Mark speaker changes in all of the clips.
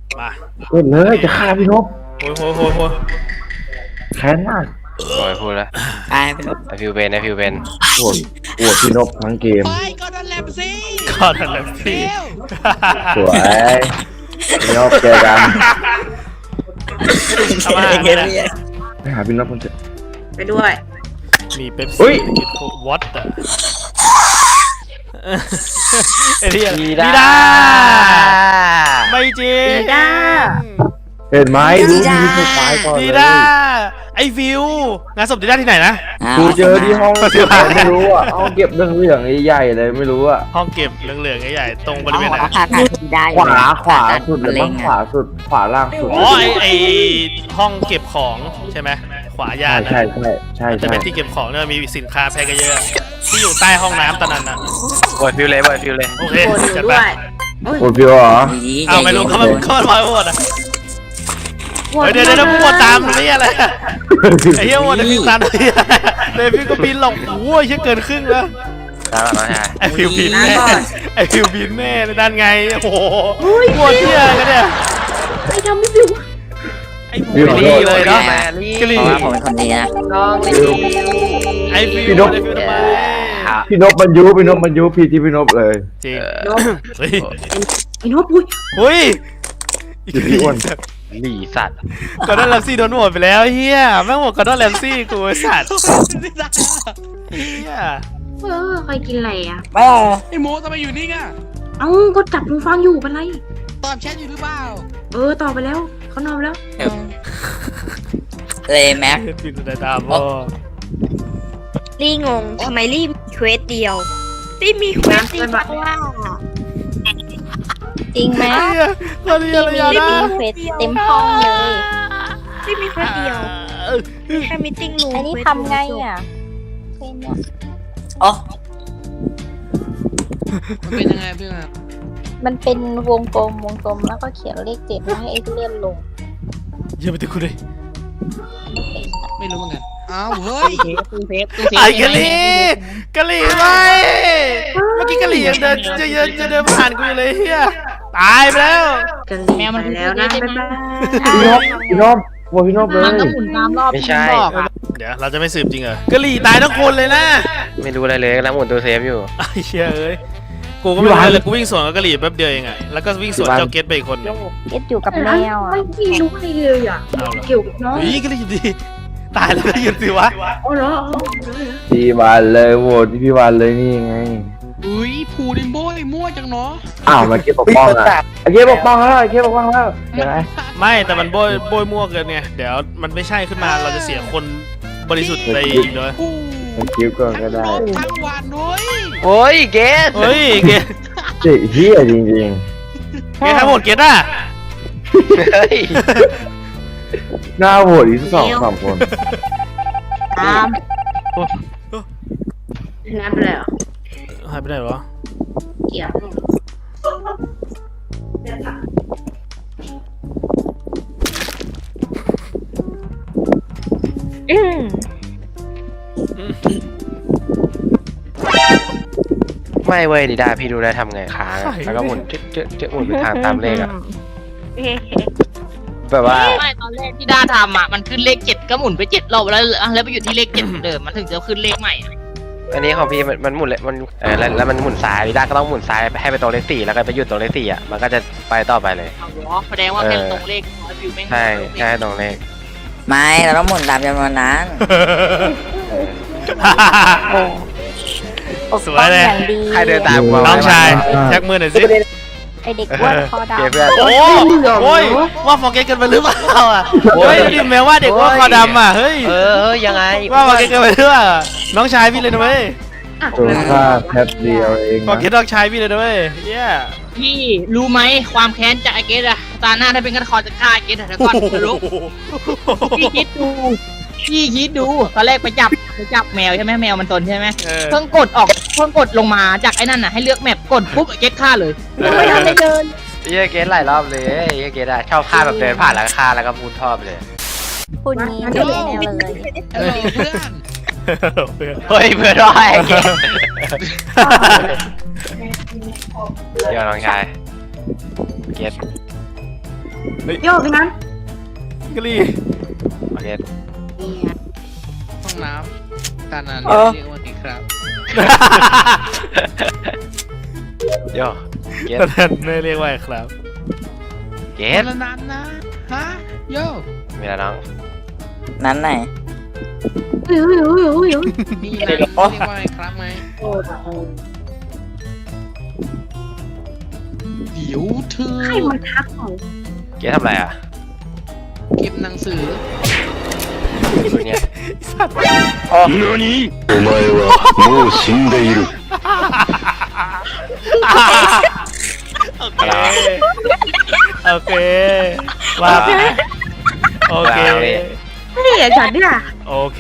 Speaker 1: มา
Speaker 2: เล่นเลยจะฆ่าพี่นพ
Speaker 1: โอ้ย
Speaker 2: แค้นมาก
Speaker 3: โอ้ยพูดแล้ว
Speaker 4: ตายไปแล้ว
Speaker 3: ไอฟิวเบน
Speaker 2: ปวดพี่นพทั้งเกม
Speaker 5: ไปก็โดนแลมสิ
Speaker 1: ก็นั่นแหละพี่
Speaker 2: สวยพี่นพเจอกัน
Speaker 1: ทำไม
Speaker 2: ไปหาพี่นพคนเจ็บ
Speaker 4: ไปด้วย
Speaker 1: มีเป๊ป
Speaker 2: อุ๊
Speaker 1: ซี่
Speaker 2: ย
Speaker 1: กินโควัตอ่ะไอ้ที่อะไร
Speaker 3: ดี
Speaker 1: ดี
Speaker 3: ด้า
Speaker 1: ด้าไม่จริง
Speaker 4: ดีด้า
Speaker 2: เห็นไหมรู้มีสุดท้ายก่อน
Speaker 1: ดี
Speaker 2: เลย
Speaker 1: ด้าไอ้ฟิวงานศพดีด้าที่ไหนนะ
Speaker 2: กูเจอที่ห้องเก็บไม่รู้อ่ะห้องเก็บเรื่องใหญ่ๆเลยไม่รู้อ่ะ
Speaker 1: ห้องเก็บเหลืองๆใหญ่ๆตรงบริเวณไหน
Speaker 4: ผ่าตัดดีได้
Speaker 2: ขวาสุดเลยมั้งขวาสุดขวาล่างสุด
Speaker 1: อ๋อไอห้องเก็บของใช่ไหมขวายานนะ
Speaker 2: ใช่
Speaker 1: จะเป็นที่เก็บของเนี่ยมีสินค้าแพ็คเยอะที่อยู่ใต้ห้องน้ำตอนนั้นน่ะ
Speaker 3: โอ้ยฟิวเลย
Speaker 1: โอเค
Speaker 4: โกรธ
Speaker 1: จัด
Speaker 4: ด้
Speaker 1: ไป
Speaker 4: วยโอ้ย
Speaker 2: โอ้พี่เหรอ
Speaker 1: เอาไม่รู้เขามาโหวตอ่ะเดี๋ยวโหวตตามนี่อะไรไอ้เหี้ยโหวตไอ้ฟิวตามนี่ไอ้ฟิวก็บินหลงโอ้ยเกินครึ่งแล้ว
Speaker 3: แล้วน้องชาย
Speaker 1: ไอ้ฟิวบินแน่ไอ้ฟิวบินแน่ด้านไงโอ้โหโหวตเหี้ยกันเนี่ย
Speaker 4: ไม่ทำไม่ฟิว
Speaker 1: ไอ้ฟิวนี่เลยเนาะกลี
Speaker 4: เพราะว่าผมเป็นคนดีนะน้องไม่ดี
Speaker 1: ไอ้ฟิวทำไม
Speaker 2: พี่นพมันยุพี่ที่พี่นพเลย
Speaker 1: จริง เฮ้ย
Speaker 4: ไอ้นพอุ้ย
Speaker 1: เฮ้ย
Speaker 2: พี่อ้วน
Speaker 3: หลีสัตว์
Speaker 1: กอร์ดอนแรมซี่โดนโหวตไปแล้วเฮียแม่งโหวตกอร์ดอนแรมซี่กูไอ้สัตว์เฮีย
Speaker 6: ใครกินอะไรอ่ะ
Speaker 4: ไม่
Speaker 5: ไอ้โมทำไมอยู่นี่อ่ะ
Speaker 6: เอ้าก็จับหูฟังอยู่เป็นไร
Speaker 5: ตอบแชทอยู่หรือเปล่า
Speaker 6: ต่อไปแล้วเขานอนไปแล้ว
Speaker 4: เลยแม็ก
Speaker 1: ปิดตาบอ
Speaker 7: ลี่งงทำไมลี่มีเควสเดียวลี่มีเควสจริงเพราะว่า
Speaker 4: จริงไหม
Speaker 1: เฮียตอนนี้อะไร
Speaker 4: ลี่
Speaker 1: นะ
Speaker 4: มีเควสเต็มห้องเลย
Speaker 7: ลี่มีเควสเดียวมีแค่มิทติ้งรูม
Speaker 4: อันนี้ทำไงอ่ะอ๋อ
Speaker 5: มันเป็นยังไงเพื่อน
Speaker 4: มันเป็นวงกลมแล้วก็เขียนเลข7แล้วให้ไอ้เลื่อนลง
Speaker 1: เฮียไปติดกูเลย
Speaker 5: ไม่รู้เหมือนกันอ้าวเฮ้ย
Speaker 1: ไอ้กะลีไม่เมื่อกี้กะลียังเดินจะเดินผ่านกูอยู่เลยเฮียตายไปแล้ว
Speaker 6: กันแมวมันแล้วนะบ๊ายบาย
Speaker 2: พี่นพโอ้พี่นพเลย
Speaker 3: ไม่ใช่
Speaker 1: เดี๋ยวเราจะไม่สืบจริงเหรอกะลีตายทั้งคนเลยนะ
Speaker 3: ไม่รู้อะไรเลยแล้วหมุนตัวเซฟอยู่
Speaker 1: ไอ้เชี่ยเอ้ยกูก็ไม่รู้เลยกูวิ่งสวนกับกะหรี่แป๊บเดียวเองอะแล้วก็วิ่งสวนเจ้าเกตไปอีกคน
Speaker 4: เอ็ดอยู่กับแมวอ่ะ
Speaker 6: ไม่รู้อะไรเลยอ่ะ
Speaker 1: เอาเหรอ
Speaker 6: เกี่ยวกับน้อง
Speaker 1: เฮ้ยกะหรี่ดีตายแล้วก็หยุดสิวะ
Speaker 6: อ๋อเหรอ
Speaker 2: พี่วานเลยโหวตพี่วานเลยนี่ไง
Speaker 5: อุ้ยผูดิมโบยมั่วจังเนาะ
Speaker 2: อ้าวมาเก็บปกป้องอ่ะเก็บปกป้องแล้วเก็บปกป้องแล้วยังไง
Speaker 1: ไม่แต่มันโบยมั่วเกินไงเดี๋ยวมันไม่ใช่ขึ้นมาเราจะเสียคนบริสุทธิ์ไปอีกเลย
Speaker 5: ผู
Speaker 2: มันคิวก่อนก็ได้
Speaker 5: ทั้งวันด้วย
Speaker 3: โอ้ยเกส
Speaker 1: เฮ้ยเกต
Speaker 2: เจ๊เฮียจริง
Speaker 1: เกตทั้งหมดเกตอะ
Speaker 3: เฮ้ย
Speaker 2: ๆหน้าโหวตอีก2-3คน
Speaker 4: ตาม
Speaker 6: น้ำไปแล้ว
Speaker 1: หายไปไหนวะ
Speaker 6: เกี่ยว
Speaker 3: ไม่เว้ยดีด้าพี่ดูได้ทำไงค้างอะแล้วก็หมุนเจ๊หมุนไปทางตามเลขอะแบบว่า
Speaker 8: ไม่ตอนแรกที่ด้าทำอ่ะมันขึ้นเลข7ก็หมุนไป7รอบแล้วไปอยู่ที่เลข7เหมือนเดิมมันถึงจะขึ้นเลขใหม่อะ
Speaker 3: อันนี้ของพี่มันหมุนเลยมันแล้วมันหมุนซ้ายดีด้าก็ต้องหมุนซ้ายให้ไปตรงเลข4แล้วก็ไปหยุดตรงเลข4อ่ะมันก็จะไปต่อไปเลย
Speaker 8: เอาเหรอแสดงว่าแค่ตรงเลขร้อยวิวไม่
Speaker 3: ใช่ใช่ตรงเลข
Speaker 4: ไม่เราต้องหมุนตามจำนวนนั้น
Speaker 1: สวยเลย
Speaker 4: อย่างดี
Speaker 3: ใครเดินตามกู
Speaker 1: น้องชายแจ็คมือหน่อยสิ
Speaker 4: ไอเด็กอ้วนคอดำ
Speaker 3: เกสเพื่อน
Speaker 1: โอ้ยว่าฟอร์เกตกันไปหรือเปล่าอ่ะเฮ้ยดิแมวว่าเด็กว่าคอดำอ่ะเฮ้ย
Speaker 3: ยังไง
Speaker 1: ว่าฟอร์เกตกันไปหรือเปล่าน้องชายพี่เลยนะเว้ย
Speaker 2: ตัวค่าแป๊บเดียวเอง
Speaker 1: ฟอร์เกตน้องชายพี่เลยนะเว้ยเย้
Speaker 8: พี่รู้ไหมความแค้นจากไอเกสอะตาหน้าถ้าเป็นกันคอจะฆ่าไอเกสแต่ก่อนจะรู้พี่คิดดูตอนแรกไปจับแมวใช่ไหมแมวมันตนใช่ไหมเพิ่งกดลงมาจากไอ้นั่นน่ะให้เลือกแมปกดปุ๊บไอเกสฆ่าเลยไม่ทันได้เดิน
Speaker 3: เกสหลายรอบเลยเกสอะชอบฆ่าแบบเดินผ่านแล้วก็ฆ่าแล้วก็พูดทอบเลย
Speaker 4: คุณนี้ไม่แน่เลย
Speaker 5: เพื่อน
Speaker 3: เฮ้ยเพื่อนร้อยเกสเดี๋ยวน้องชายเกส
Speaker 6: โยกพี่นั้น
Speaker 1: กะลี
Speaker 3: โอเค
Speaker 5: ห้องน้ำตานันเรียกว่าไงครับ
Speaker 3: โยเกต
Speaker 1: ตอนนั้นไม่เรียกว่าครับ
Speaker 3: เก
Speaker 5: ตา
Speaker 3: ต
Speaker 5: นันนะฮะโย
Speaker 3: มีอะไรน้อง
Speaker 9: นั้นไหน
Speaker 6: อุ้ย
Speaker 5: มีอะไรเรียกว่าไงครับไหมเดี๋ยวเธอ
Speaker 6: ให้มันทักของ
Speaker 3: เกตทำอะไรอ่ะ
Speaker 5: เก็บหนังสือ
Speaker 3: คนเนี้ย
Speaker 10: お前はもう死んでいる。
Speaker 1: โอเคโอเคว่าไปโอเค
Speaker 6: เท่จัดเนี่ย
Speaker 1: โอเค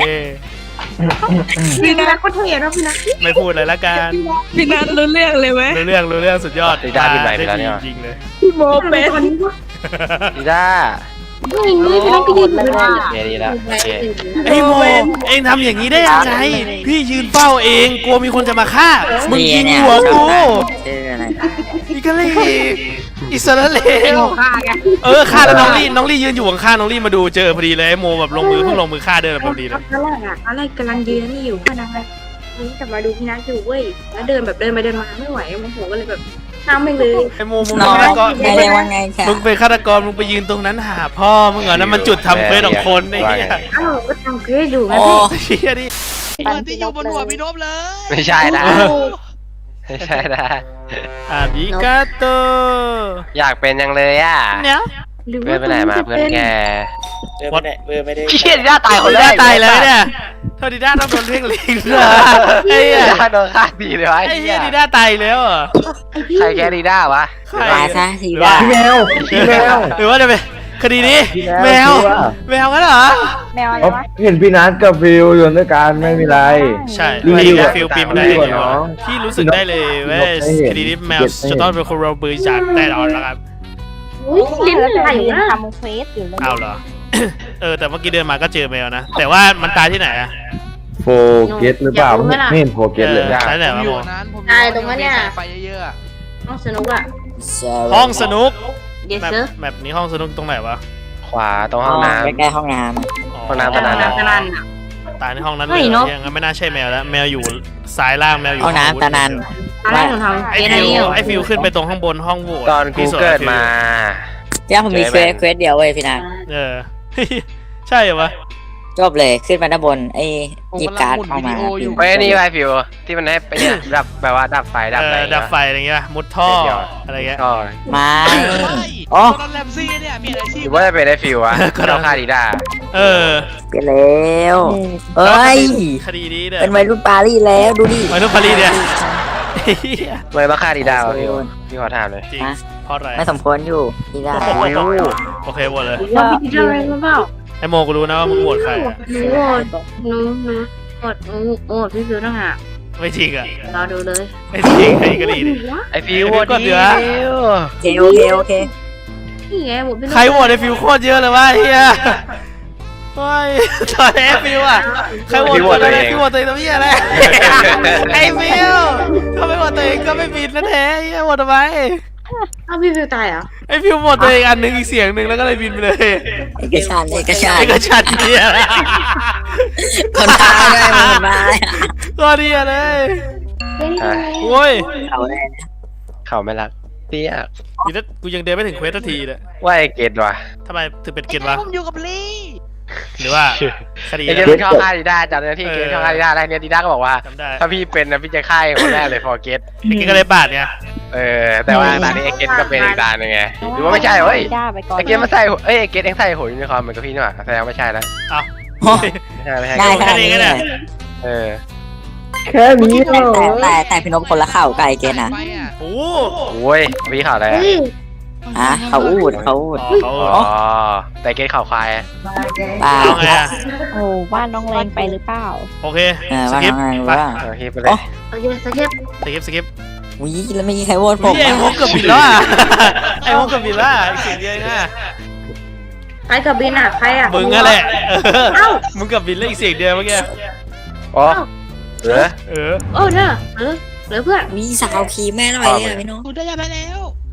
Speaker 6: พี่นัทก็เท่แล้วพี่นัท
Speaker 1: ไม่พูดเลยละกัน
Speaker 7: พี่นัทรู้เรื่องเลยไหม
Speaker 1: รู้เรื่องสุดยอดจริงเลย
Speaker 7: พี่โมเป็น
Speaker 6: ตอนนี้ก็
Speaker 3: ดีด้า
Speaker 6: ไม่พี่นัทก็ยืนอยู่เลย
Speaker 3: โอเคดีแล้วโอเค
Speaker 1: ไอ้โมเองทำอย่างนี้ได้ยังไงพี่ยืนเฝ้าเองกลัวมีคนจะมาฆ่ามึงยิงหัวกู
Speaker 9: ชื่ออะไร
Speaker 1: อีกะลีอิสราเอล
Speaker 6: ฆ่าไง
Speaker 1: ฆ่าแล้วน้องลี่ยืนอยู่ข้างๆน้องลี่มาดูเจอพอดีเลยไอ้โมแบบลงมือฆ่าเดินพอดีเลย
Speaker 6: ตอนแรกกำลังยืนนี่อยู่ขนาดนั้นจะมาดูพี่นัทอยู่เว้ยแล้วเดินแบบเดินไปเดินมาไม่ไหวโมโหก็เลยแบบน้ำไม่เลย
Speaker 1: ไอ้โมมึง
Speaker 9: น้อง
Speaker 1: เป็นฆาตกร
Speaker 9: ไม่ได้ว่าไงค่ะ
Speaker 1: มึงเป็นฆาตกรมึงไปยืนตรงนั้นหาพ่อมึงเหรอนั่นมันจุดทำเควสของคนไอ้เหี้ย
Speaker 6: อ้าวก็ทำเกรดอยู่ไง
Speaker 9: โอ้
Speaker 6: พี่
Speaker 1: เหี้ยดิ
Speaker 5: เปิดที่อยู่บนหัวพี่นพเลย
Speaker 3: ไม่ใช่นะไม่ใช่นะ
Speaker 1: อาริกาโต
Speaker 3: อยากเป็นยังเลยอ่ะ
Speaker 1: เนี่ย
Speaker 6: หรือ
Speaker 3: เพื่อนไปไหนมาเพื่อนแก
Speaker 1: วัด
Speaker 3: พี่เชียดีด้าตายคนแร
Speaker 1: ได้
Speaker 3: ก
Speaker 1: ตายเลยเนี่ยเท่าดีด้าต้องโดนเพ่งเล็งเลยไอ้
Speaker 3: ดี
Speaker 1: เหี้ย
Speaker 3: ด้าโดนฆ่าดีเลยวะ
Speaker 1: ไอ้เหี้ยดีด้าตายแล้วเหรอ
Speaker 3: ใครแกดีด้าวะ
Speaker 9: ตายซะสีดา
Speaker 2: พี่แมวพี่แมว
Speaker 1: หรือว่าจะเป็นคดีนี้แมวกันเหรอ
Speaker 4: แมวอะไร
Speaker 2: เขา
Speaker 4: วะ
Speaker 2: เห็นพี่นัทกับฟิวอยู่ด้วยกันไม่มีไร
Speaker 1: ใช่
Speaker 2: รี
Speaker 1: ไอ้
Speaker 2: วิว
Speaker 1: ฟิลปีนได้
Speaker 2: รีวิวก่อนน้อง
Speaker 1: พี่รู้สึกได้เลยว่าคดีนี้แมวจะต้องเป็นคนเราบริจาคแน่นอนแล้วครับ
Speaker 6: อุ้ยลิ้น
Speaker 4: แล้ว
Speaker 6: ไหล
Speaker 4: จะยืน
Speaker 6: นะ
Speaker 4: ทำเควสอยู่เลย
Speaker 1: เอาเหรอ แต่เมื่อกี้เดินมาก็เจอแมวนะ แต่ว่ามันตายที่ไหนอะ
Speaker 2: โฟเกตหรือเปล่าไม่เห็นโฟเกตเลย
Speaker 1: ตายไหน
Speaker 5: ผม
Speaker 1: วะ
Speaker 5: อยู่
Speaker 1: โม
Speaker 5: นั้นผม
Speaker 6: ตายตรงนั้นเนี่ย
Speaker 5: ไฟเยอะๆอะ
Speaker 6: น้องสนุกอ่ะ
Speaker 1: ห้องสนุก
Speaker 6: เดี๋ยว
Speaker 1: แมป
Speaker 6: เซอร์
Speaker 1: แมปนี้ห้องสนุกตรงไหนวะ
Speaker 3: ขวาตรงห้องน้
Speaker 9: ใกล้ๆห้องน้
Speaker 3: ห้องน้ำ
Speaker 6: กำลังกำลัง
Speaker 1: ตายในห้องนั้นเล
Speaker 6: เฮ้
Speaker 1: ย
Speaker 6: ยเนอะ
Speaker 1: ยังไม่น่าใช่แมวแล้ว แมวอยู่ซ้ายล่างแมวอ
Speaker 9: ำ
Speaker 1: ยู่
Speaker 9: ห้องน้ำตานัน
Speaker 6: ตอนแรกหนูทำ
Speaker 1: ไอ้
Speaker 6: เกรดอะไร
Speaker 1: ฟิว
Speaker 6: อยู่
Speaker 1: ไอ้ฟิวขึ้นไปตรงข้างบนห้องโหวต
Speaker 3: ำตอนกูเกิดมา
Speaker 9: ย่าผมมีเควสเดียวเว้ยพี่นัท
Speaker 1: เออ ใช่เหรอวะ
Speaker 9: จบเลยขึ้นมาด้านบนไอ้หยิบการ์ดออกมา
Speaker 3: เฮ้ยนี่ไอฟิวที่มันให้ไปเนี่ยดับแบบว่าดับไฟดับอะไร
Speaker 1: ดับไฟอะไรเงี้ยมุดท่ออะไรเงี้ย
Speaker 3: ก็
Speaker 9: ไม่
Speaker 5: โอ้
Speaker 9: อ๋อ
Speaker 5: ตอนแลมซี่เนี่ยมีอาชี
Speaker 3: ห
Speaker 5: พ
Speaker 3: รือว่าจะเป็นไอฟิวอะก็ต้องฆ่าดีด้า
Speaker 1: เออ
Speaker 9: เปลี่ยนแล้วเอ้ย
Speaker 1: คดีนี้เนี่ย
Speaker 9: เป็นวัยรุ่นปารีสแล้วดูดิ
Speaker 1: มาทุกพารีเนี่ย
Speaker 3: ทำไมต้องฆ่าดีด้าวะฟิวพี่ขอถามเลย
Speaker 1: จริงเพราะอะไร
Speaker 9: ไม่สมควรอยู่พี่นัท
Speaker 1: โอเคหมดเลย
Speaker 6: ว่าพี่คิดอะไรมาเปล่า
Speaker 1: ไอโมกูรู้นะว่ามึงโหวตใครอะ
Speaker 6: หนูโหวตหนูโหวตโหวตพี่ฟิวต้องหา
Speaker 1: ไม่จริงอ่ะ
Speaker 6: รอดูเลย
Speaker 1: ไม่จริงไอ้กะหรี่ดิ
Speaker 3: ไอฟิว
Speaker 1: กดเดี๋ยว
Speaker 9: โอเคโอเค
Speaker 6: นี่ไงโหวตพี่
Speaker 1: ใครโหวตไอ้ฟิวโคตรเยอะเลยวะไอ้เฮียโอ้ยตอนไอ้ฟิวอ่ะใครโหวตตัวเองฟิวโหวตตัวเองตัวเฮียอะไรไอ้ฟิวถ้าไม่โหวตตัวเองก็ไม่บินนะแท้ไอ้เฮียโหวตทำไม
Speaker 6: อ้าวพี่ฟิวตายเหรอ
Speaker 1: ไอ้ฟิวโหวตตัวเองอันหนึงอีกเสียงหนึ่งแล้วก็เลยบินไปเลย
Speaker 9: เอกชัน
Speaker 1: ไอ้กระชันเฮีย
Speaker 9: คนตายด้วยมันมา
Speaker 1: ก็เฮียเลย
Speaker 6: เฮ้ย
Speaker 1: โอ้ย
Speaker 9: เขาเลย
Speaker 3: เขาไม่รักเตี้ย
Speaker 1: นี่ถ้ากูยังเดินไม่ถึงเควสทันทีเลย
Speaker 3: ว่าไอเกตว่ะ
Speaker 1: ทำไมถึงเป็นเกณฑ์วะ
Speaker 5: ผมอยู่กับลี่
Speaker 1: หรือว่าคดี
Speaker 3: ไอเกตมันชอบฆ่าดีด้าจำได้ที่เกตชอบฆ่าดีด้าได้เนี่ยดีด้าก็บอกว่า
Speaker 1: จำได้
Speaker 3: ถ้าพี่เป็นนะพี่จะฆ่าคนแรกเลยฟอร์เกต
Speaker 1: ไอ้เกณฑ์ก็เลยบาดเนี่ย
Speaker 3: แต่ว่าตอนนี้ไอเกตก็เป็นอีกตาหนึ่งไงหรือว่าไม่ใช่เฮ้ย
Speaker 4: จ้าไปก่อน
Speaker 3: ไอเกตมาใส่ไอเกตเองใส่หัวยูนิคอร์นเหมือนกับพี่นี่หว่าแสดงไม่ใช่แล้ว ไม่ใช่ไม่ใช่
Speaker 9: ได้ขนาดนี้เลย
Speaker 3: เออ
Speaker 2: แค่นี้เหรอ
Speaker 9: แต่พี่นพคนละเข่าไก่เกณฑ์นะ
Speaker 5: ไปอ่ะ
Speaker 1: โอ้
Speaker 3: โอ้ยพี่ข่าวอะไร
Speaker 6: เฮ้ย
Speaker 9: อ่ะเขาอูดเขาอูด
Speaker 1: เขา
Speaker 3: อ๋อแต่เกตข่าวควาย
Speaker 9: ปลา
Speaker 1: เอาไงอะ
Speaker 4: โอ้บ้านน้องแรงไปหรือเปล่า
Speaker 1: โอเค ส
Speaker 9: ว่า
Speaker 1: กิป
Speaker 9: ไง
Speaker 1: ไป
Speaker 9: ว่า
Speaker 3: โอเคไปเลย
Speaker 6: โอเคสเก็ต
Speaker 1: สกิป
Speaker 9: วิแล้วไม่มีใครโหวตผม
Speaker 1: ไอ้โมกับบินแล้วอ่ะไอ้โมกับบินแล้วอ่ะเสียงเดียวนะ
Speaker 6: ใครกับบินอ่ะใครอ่ะ
Speaker 1: มึงอะแหละมึงกับบินแล้วอีกเสียงเดียวเมื่อกี้
Speaker 3: อ๋อเหรอ
Speaker 1: เออ
Speaker 6: โอ้เนอะเหลือเพื่อน
Speaker 9: วิสาวขี่แม่หน่อยเลยพี่นพ
Speaker 5: คุณได้ยาไปแล้ว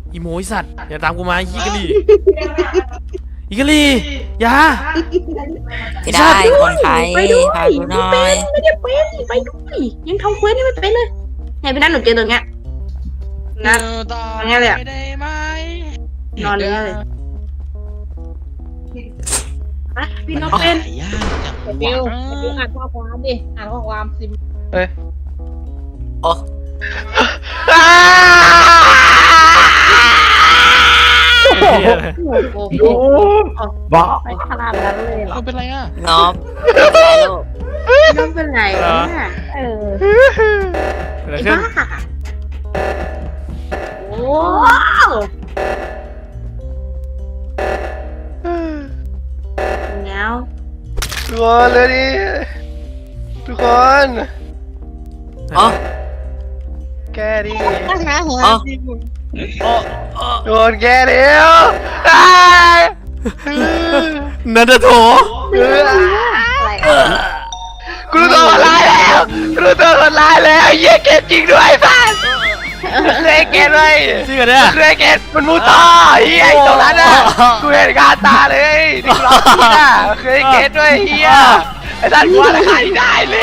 Speaker 1: อีโมไอสัตว์อย่าตามกูมาอีกะลีอีกะลีอย่า
Speaker 9: พี่ได้คนไทย
Speaker 6: ไปด้วย
Speaker 9: พาดูหน่อย
Speaker 6: ไม่ได้เป็นไปด้วยยังทำเควสนี่ไม่เป็นเลยไงพี่นัทหนูเจอตัวเงี้ยนัท
Speaker 5: ต่อ
Speaker 6: ไงเลยอะ
Speaker 5: ได้ไหม
Speaker 6: นอนเลยเลยไปพี่น้องเป็น
Speaker 5: ยากจัง
Speaker 8: ฟิว
Speaker 5: วะ
Speaker 8: ฟิวอ่านข้อความดิอ่านข้อความซิม
Speaker 9: โอ้
Speaker 6: โอ้โห
Speaker 2: ดูบ้า
Speaker 4: ไปขนาดนั้นเลยเหรอ
Speaker 5: มันเป็นไรอ่ะ
Speaker 9: น้องได้ลูก
Speaker 6: น้องเป็นไรเนี่ย
Speaker 4: เออ
Speaker 1: อะไร
Speaker 6: ไอ้
Speaker 1: ขึ้น
Speaker 6: บ้าโอ้แล้ว
Speaker 3: ทุกคนเลยดิทุกคน
Speaker 9: อ๋อ
Speaker 3: แกดิ
Speaker 9: อ๋อ
Speaker 3: ทุกคนแกเดียว
Speaker 1: นันทโถ
Speaker 4: อะไรอ่ะ
Speaker 3: กูรู้ตัวคนร้ายแล้วกูรู้ตัวคนร้ายแล้วเหี้ยเกตจริงด้วยสัสเคยเกตไว้
Speaker 1: จริงเหรอเนี่ย
Speaker 3: เคยเกตมันมูต่อเฮียไอ้ตรงนั้นน่ะกูเห็นกาตาเลยที่กูร้องกูน่ะเคยเกตด้วยเฮียไอ้สัสกูว่าราคาที่ได้เลย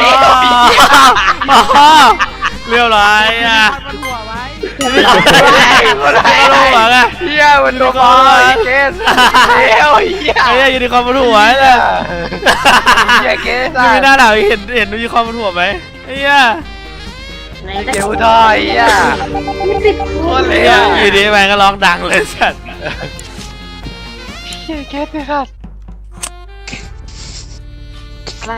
Speaker 1: เรียบร้อยอ่ะ
Speaker 5: มันหัวไว้
Speaker 3: มันได้เฮียมันโดนบอลเกตเฮียเฮีย
Speaker 1: ไอ้เนี่ยยูนิคอร์นบนหัวเลย
Speaker 3: เฮียเกต
Speaker 1: ยังไม่น่าหนาวเห็นยูนิคอร์นบนหัวไหมไอ้เนี่ย
Speaker 6: ไหน
Speaker 3: เกตทอยเฮียโคตรเลย
Speaker 1: เนี่ย
Speaker 3: อ่ะ
Speaker 1: อยู่ดีแม่งก็ร้องดังเลยสัตว์
Speaker 3: เฮียเกตเลยสัส
Speaker 4: อะไร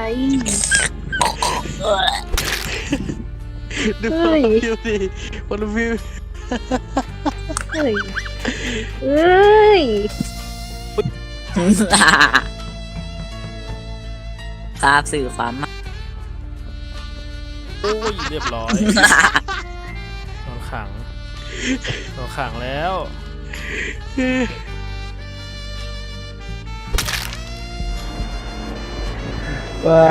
Speaker 5: ดูคนวิวดิคนวิว
Speaker 4: เฮ้ยเอ้ย
Speaker 9: ทราบสื่อความมา
Speaker 1: โอ้ยเรียบร้อยโดนขังแล้ว
Speaker 2: ว้า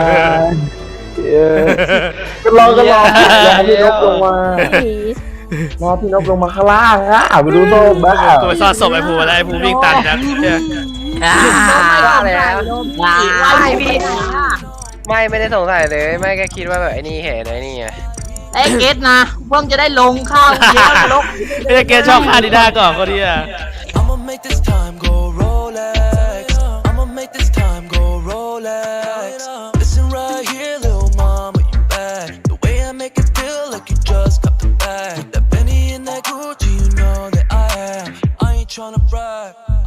Speaker 2: ก็รอพี่นกลงมา รอพี่นกลงมาข้างล่างอ่ะมาดูโซ่บ้า
Speaker 1: กูไปซ่อนศพไอ้ภูแล้วไอ้ภูวิ่งตันนะเนี่ย
Speaker 3: ว่าแล้ว
Speaker 8: ไม่พี่
Speaker 3: ไม่ได้สงสัยเลยไม่แค่คิดว่าแบบไอ้นี่เห็นไอ้นี่ไง
Speaker 8: ไอ้เกตนะเพิ่งจะได้ลงข้าวเยอะนรก
Speaker 1: ไอ้เกชอบคาดิด้าก่อนก็ดีอ่ะ
Speaker 11: I'ma make this time go Rolex. I'ma make this time go Rolex. Listen right here, little mama, you bad. The way I make it feel like you just got the bag. That Benny and that Gucci, you know that I am. I ain't tryna brag.